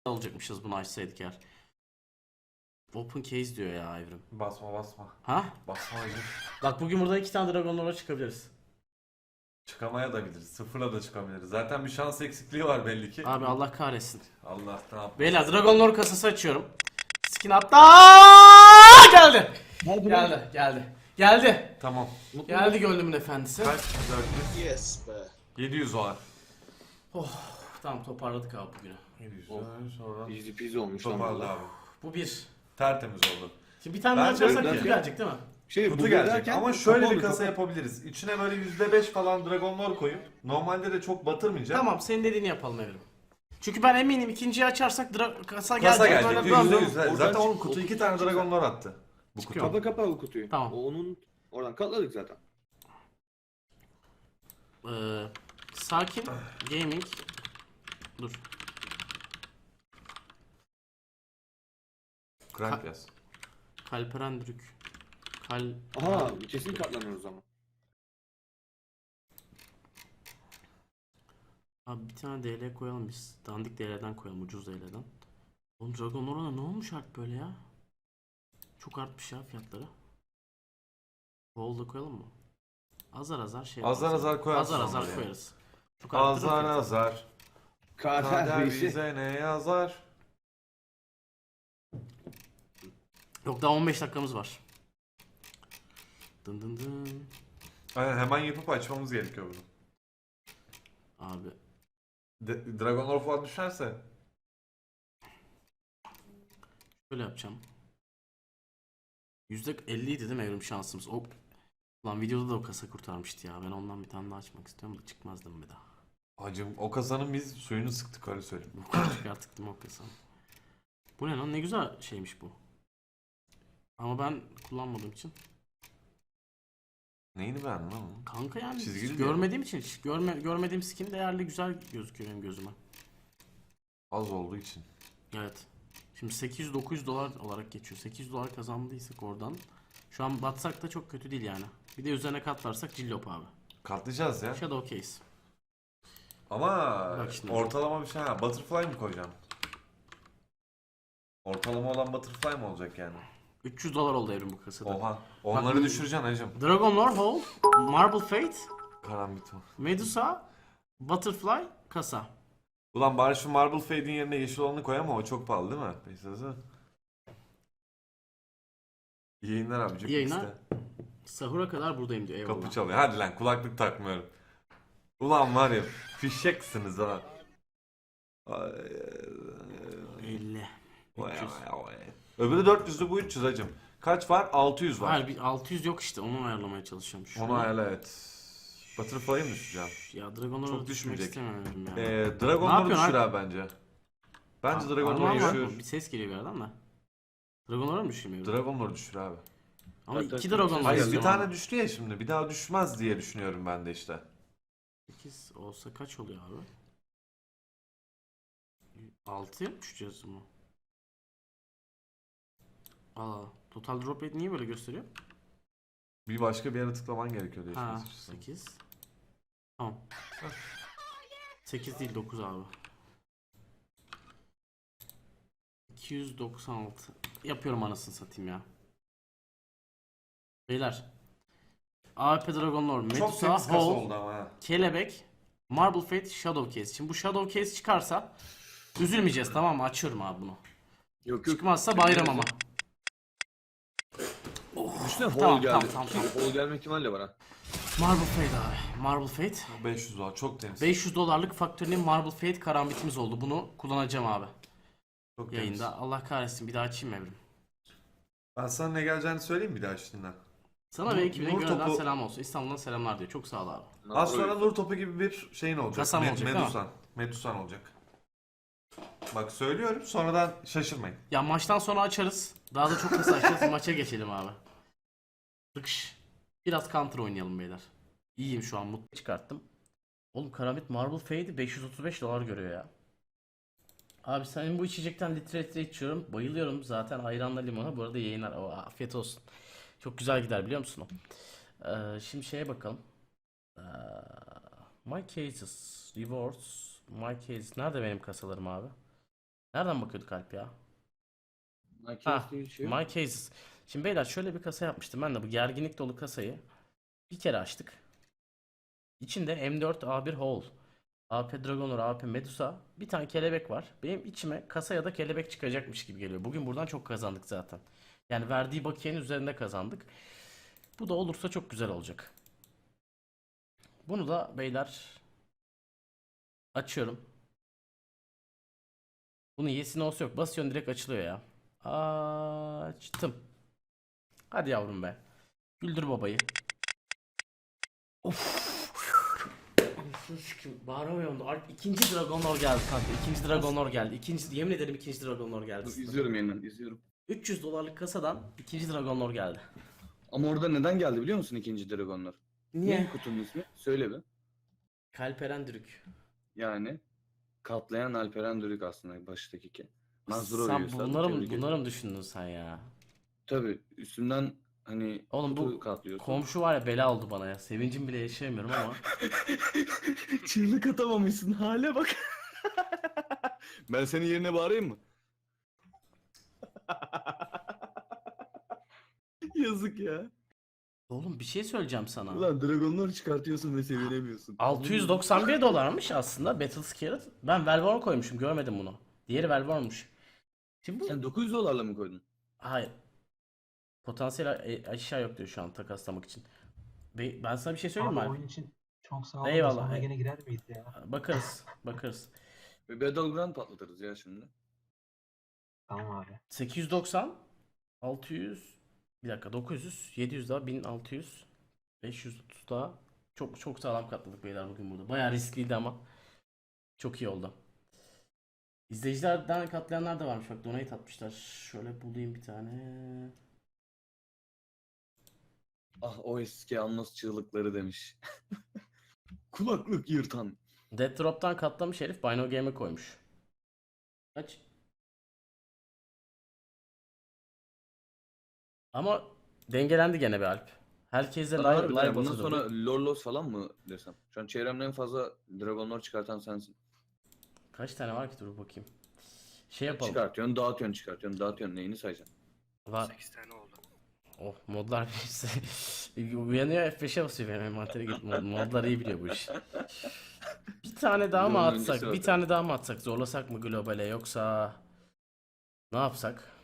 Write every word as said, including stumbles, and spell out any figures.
alacakmışız bunu açsaydık eğer. Open case diyor ya Evrim. Basma basma. Ha? Basma Evrim. Bak bugün burada iki tane Dragon Lord'a çıkabiliriz. Çıkamaya da biliriz. Sıfırla da çıkabiliriz. Zaten bir şans eksikliği var belli ki. Abi Allah kahretsin. Allah ne yapmasın. Beyler Dragon Lord kasası açıyorum. Skin hatta geldi. Geldi, geldi. Geldi. Tamam. Geldi gönlümün efendisi. Kaç? dört yüz. Yes be. yedi yüz var. Tamam toparladık abi bugünü. yedi yüz. Oh. Sonra Easy peasy olmuş lan toparladı valla. abi. Bu bir. Tertemiz oldu. Şimdi bir tane Ben daha açarsak böyle- kutu gelecek değil mi? Şey, Kutu bu gelecek derken ama şöyle kapalı, bir kasa kapalı. yapabiliriz. İçine böyle yüzde beş falan Dragonlar koyup normalde de çok batırmayacak. Tamam senin dediğini yapalım Evrim. Çünkü ben eminim ikinciyi açarsak dra- kasa gelecek. Kasa böyle gelecek. dön yüzde dön. yüz. Oradan Zaten çık- onun kutu o iki kutu tane çıkacak. Dragonlar attı. Bu Çıkıyor. kutu. Kapa kapa o kutuyu. Tamam. O onun oradan katladık zaten. Ee, sakin gaming. Dur. Crank yaz. Kalperen Drük. Kal... Aha kesin katlanıyoruz ama. Abi bir tane D L koyalım biz. Dandik D L'den koyalım. Ucuz D L'den. Oğlum Dragon Lord'a ne olmuş artık böyle ya? Çok artmış ya fiyatları. Wall'da koyalım mı? Azar azar şey Azar yaparız. azar koyarsın Azar azar onları ya. koyarız. Çok arttırır Azar fiyatı. azar. Kader Kader bir şey. bize ne yazar? Yok daha on beş dakikamız var. Dın dın dın. Aynen hemen yapıp açmamız gerekiyor bunu. Abi De- Dragonlar falan düşerse. şöyle yapacağım. yüzde elli idi değil mi evrim şansımız? O... Lan videoda da o kasa kurtarmıştı ya. Ben ondan bir tane daha açmak istiyorum da çıkmazdım bir daha. Hacım o kasanın biz suyunu sıktık öyle söyleyeyim. Bu kadar çıkarttık değil mi o kasa? Bu ne lan? Ne güzel şeymiş bu. Ama ben kullanmadığım için. Neyini beğendin lan? Kanka yani Çizgili hiç mi? görmediğim için hiç görme, görmediğim skin değerli güzel gözüküyor benim gözüme. Az olduğu için. Evet. Şimdi sekiz yüz dokuz yüz dolar olarak geçiyor. sekiz yüz dolar kazandıysak oradan. Şu an batsak da çok kötü değil yani. Bir de üzerine katlarsak cillop abi. Katlayacağız ya. Shadow case. Ama Bak şimdi. ortalama bir şey ha. Butterfly mı koyacaksın? Ortalama olan butterfly mı olacak yani? üç yüz dolar oldu evrim bu kasada. Oha. Onları Bak- düşüreceksin hacım. Dragon Lord Hole, Marble Fate, Karambit mi? Medusa, Butterfly, kasa. Ulan bari şu Marble Fade'in yerine yeşil olanı koy ama o çok pahalı değil mi? Peşinize. İyi yayınlar abicim. İyi yayınlar. İşte. Sahura kadar buradayım diyor eyvallah. Kapı çalıyor. Hadi lan kulaklık takmıyorum. Ulan var ya fişeksiniz ha. Ay, elli. vay, üç yüz. vay, vay. Öbürü dört yüzlü bu üç yüz hacım. Kaç var? altı yüz var. Hayır bir altı yüz yok işte onu ayarlamaya çalışıyorum. Şunu- Onu ayarla evet. Butterfly'ı mı düşeceğim? Ya Dragon Çok Lord'u düşmek düşmeyecek. istemiyorum ya. Ee, Ne Dragon'ları yapıyorsun düşür abi? abi bence. Bence Aa, Dragon'ları armağan var mı? düşür. Bir ses geliyor bir yerden de. Dragon Lord'a mı düşürmüyor? Dragon'ları düşür abi. Ama Evet, iki evet, Dragon evet. Lord Hayır bir istiyorum tane abi. düştü ya şimdi. Bir daha düşmez diye düşünüyorum ben de işte. sekiz olsa kaç oluyor abi? altıya mı düşeceğiz bunu? Aa, total drop rate niye böyle gösteriyor? Bir başka bir yere tıklaman gerekiyor diye. Ha, düşünüyorsun. sekiz. Tamam. sekiz değil dokuz abi. iki yüz doksan altı. Yapıyorum anasını satayım ya. Beyler. A W P Dragon Lord, Çok Medusa, temiz kasa Hole, oldu ama ha. Kelebek, Marble Fate, Shadow Case. Şimdi bu Shadow Case çıkarsa üzülmeyeceğiz tamam mı? Açıyorum abi bunu. Yok yok. Çıkmazsa bayram ama. Düşünsene hole Tamam, geldi. tamam, tamam, tamam. Hole gelme ihtimali de var ha. Marble Fate abi. Marble Fate. beş yüz var çok temiz. beş yüz dolarlık Factory'nin Marble Fate karambitimiz oldu. Bunu kullanacağım abi. Çok temiz. Yayında. Allah kahretsin bir daha açayım mı Evrim? Ben sana ne geleceğini söyleyeyim bir daha şimdiden. Sana Nur- ve ekibine Nur gönülden topu- selam olsun. İstanbul'dan selamlar diyor. Çok sağ ol abi. Az sonra nur topu gibi bir şeyin olacak. Kasam olacak, değil mi? Medusan. Medusan olacak. Bak söylüyorum sonradan şaşırmayın. Ya maçtan sonra açarız. Daha da çok kısa açarız. Maça geçelim abi. Tıkış. Biraz counter oynayalım beyler. İyiyim şu an mutlu çıkarttım. Oğlum Karambit Marble Fade'i beş yüz otuz beş dolar görüyor ya. Abi senin bu içecekten litre litre içiyorum. Bayılıyorum zaten ayranla limona. Bu arada yayınlar. O, afiyet olsun. Çok güzel gider biliyor musun o? Ee, şimdi şeye bakalım. Ee, my cases. Rewards. My cases. Nerede benim kasalarım abi? Nereden bakıyorduk Alp ya? Nike Ha, diye bir şey yok. My Cases. Şimdi beyler şöyle bir kasa yapmıştım. Ben de bu gerginlik dolu kasayı bir kere açtık. İçinde M dört A bir Hole, A P Dragonor, A P Medusa, bir tane kelebek var. Benim içime kasa ya da kelebek çıkacakmış gibi geliyor. Bugün buradan çok kazandık zaten. Yani verdiği bakiyenin üzerinde kazandık. Bu da olursa çok güzel olacak. Bunu da beyler açıyorum. Bunun yesi olsa yok. Basıyorsun direkt açılıyor ya. Açtım. Hadi yavrum be. Güldür babayı. Of. Anasını sikeyim. Bağıramıyorum da. Alp ikinci Dragonlord geldi kanka. İkinci Dragonlord geldi. İkinci, yemin ederim ikinci Dragonlord geldi. Dur, izliyorum yeniden izliyorum. üç yüz dolarlık kasadan ikinci Dragonlord geldi. Ama orada neden geldi biliyor musun ikinci Dragonlar? Niye? Ne kutunun ismi? Söyle bir. Kalperen Dürük. Yani katlayan Alperen Dürük aslında baştaki ki. Mazur Sen oyuyorsa bunları mı, tebrik ederim. bunları mı düşündün sen ya? Tabii üstünden hani Oğlum kutu bu katlıyorsun. komşu var ya bela oldu bana ya. Sevincim bile yaşayamıyorum ama. Çığlık atamamışsın hale bak. Ben senin yerine bağırayım mı? Yazık ya. Oğlum bir şey söyleyeceğim sana. Ulan dragonlar çıkartıyorsun ve sevinemiyorsun. altı yüz doksan bir dolarmış aslında Battle Scarlet. Ben Velvorn koymuşum, görmedim bunu. Diğeri Velvorn'muş. Şimdi bu... Sen dokuz yüz dolarla mı koydun? Hayır. Potansiyel a- aşağı yok diyor şu an takaslamak için. Be- Ben sana bir şey söyleyeyim mi Abi Alp? oyun için çok sağ olun. Eyvallah, Sonra ey- gene girer miyiz ya? Bakarız. Bakarız. Ve Battleground patlatırız ya şimdi. Tamam abi. sekiz yüz doksan, altı yüz, bir dakika, dokuz yüz, yedi yüz daha, bin altı yüz, beş yüz otuz daha. Çok çok sağlam katladık beyler bugün burada. Bayağı riskliydi ama çok iyi oldu. İzleyicilerden katlayanlar da varmış. Bak donate atmışlar. Şöyle bulayım bir tane. Ah o eski Annos çığlıkları demiş. Kulaklık yırtan. Death Drop'tan katlamış herif Bino Game'e koymuş. Kaç? Ama dengelendi gene be Alp. Herkese live, Harbiden live ya, bundan atıyordu. sonra Lorlos falan mı desem? Şu an çevremde en fazla Dragonlar çıkartan sensin. Kaç tane var ki, dur bakayım. Şey yapalım. Çıkartıyorsun, dağıtıyorsun, çıkartıyorsun, dağıtıyorsun. Neyini sayacaksın? Va sekiz tane oldu. oh modlar birisi. Uyanıyor F beşe basıyor benim envantere gidip mod, modlar iyi biliyor bu işi. Bir tane daha mı Bunun atsak? öncesi var Bir tabii. tane daha mı atsak? Zorlasak mı globale yoksa ne yapsak?